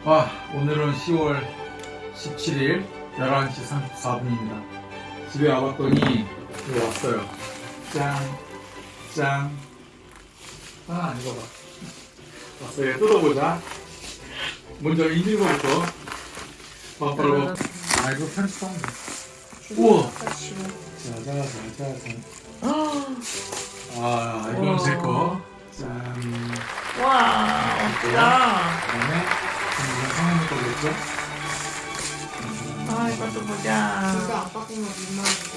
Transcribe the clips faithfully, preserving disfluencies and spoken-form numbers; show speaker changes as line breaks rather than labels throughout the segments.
와, 오늘은 시월 십칠일 열한 시 삼십사 분입니다. 집에 와봤더니 여기 왔어요. 짠, 짠. 아, 이거 봐. 왔어요. 뜯어보자. 먼저 익는 거부터. 바로. 아, 이거 편집하면 돼. 우와. 자자자자자. 아, 이건 제 거. 짠.
와, 멋지다.
그다음에 이건 성현이 거겠죠?
아, 이것도 보자.
이거 아빠 보면 민망한데.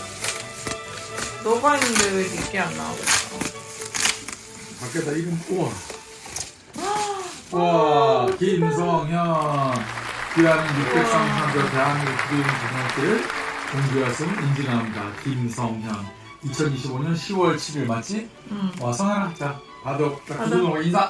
너가 있는데 왜 니께 안 나오겠어?
밖에다 이름 우와. 와, 김성현. 귀하는 육백삼 년도 대한민국 국민고등학교를 공교였음 인증합니다. 김성현. 이천이십오 년 시월 칠일 맞지?
응.
와, 성현아, 자, 받아. 자,
받아.
구두노 인사.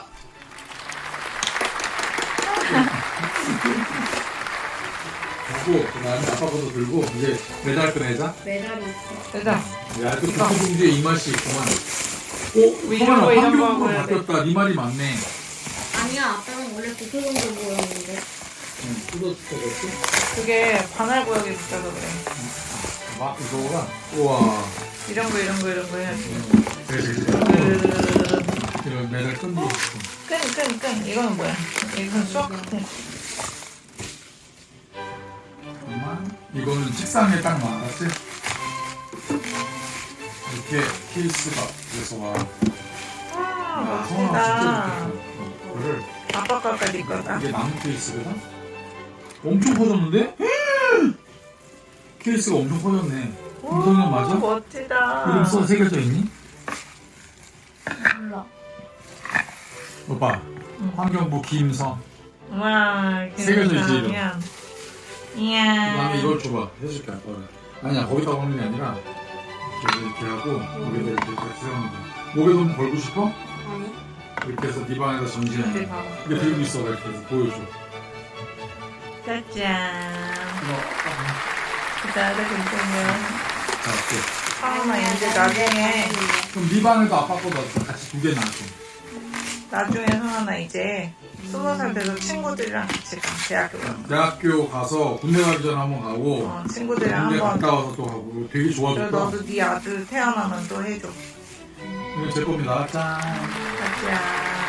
하고, 그 다음에 아빠 것도 들고, 이제 메달 꺼내자.
메달이 있어.
되자.
야, 또 국토공주에 이 맛이 있구만. 오,
이런
성현아,
거, 이런 거
환경으로
하고 해야 돼.
바뀌었다. 네 말이 맞네.
아니야, 아빠는 원래 고소공주 보였는데.
응, 뜯어주겠지?
그게 반할 구역에 있어서 그래.
막, 이거가, 우와.
이런 거, 이런 거, 이런 거 해야지.
그래, 그래.
끄,
이런 메달 끈도 있어.
끈, 끈. 이거는 뭐야? 이건 수학 같은 거.
잠깐만. 이거는 책상에 딱 놔, 알았지? 이렇게 케이스가 그래서 와.
아,
성아
멋지다.
진짜 좋겠다. 이거를
아빠 거까 니 거다.
이게 나무 케이스거든? 엄청 커졌는데? 케이스가 엄청 커졌네. 김성현 맞아?
멋지다.
이름 써 새겨져 있니?
몰라.
오빠,
응.
환경부 김성.
와,
새겨져 있지, 이름.
이야.
그
이야.
다음에 이걸 줘봐. 해줄게, 아빠가. 아니야, 거기다 오는 게 아니라 이렇게, 이렇게 하고 목에다 이렇게 같이 세우는 거야. 목에도 한번 걸고 싶어?
아니?
이렇게 해서 네 방에다 전시해.
어디 봐봐.
이게 들고 있어, 이렇게 해서 보여줘.
짜잔.
이거,
기다려, 괜찮냐.
자, 이렇게.
상훈아, 이제 나중에,
그럼 네 방에도 아빠 거도 같이 두 개 놔줘.
나중에 상훈아, 이제 스무 살 돼서 친구들이랑 같이 가, 대학교 가.
대학교 가서 군대 가기 전에 한번 가고
어, 친구들이랑
군대
한번.
갔다 와서 또 가고 되게
그리고
좋아졌다.
너도 네 아들 태어나면 또 해줘.
이거 제 겁니다. 짠.
짜잔.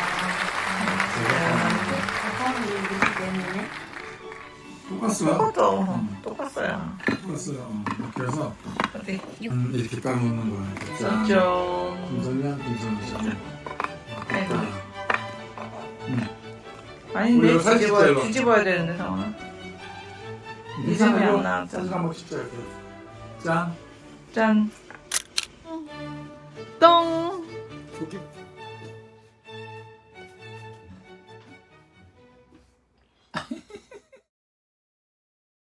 아빠는 왜 이렇게 때문에?
똑같어요.
똑같어.
응.
똑같어요.
똑같어요. 어. 이렇게 해서
어디?
음, 이렇게 딱 놓는 거야. 이렇게 짠.
짠.
김선이야, 김선이.
아이고.
응.
아닌데,
우리가 사진
뒤집어야,
찍자,
뒤집어야 되는데, 상훈아. 이름이 안 나왔잖아.
사진 한번 찍자 이렇게. 짠.
짠. 똥.
여기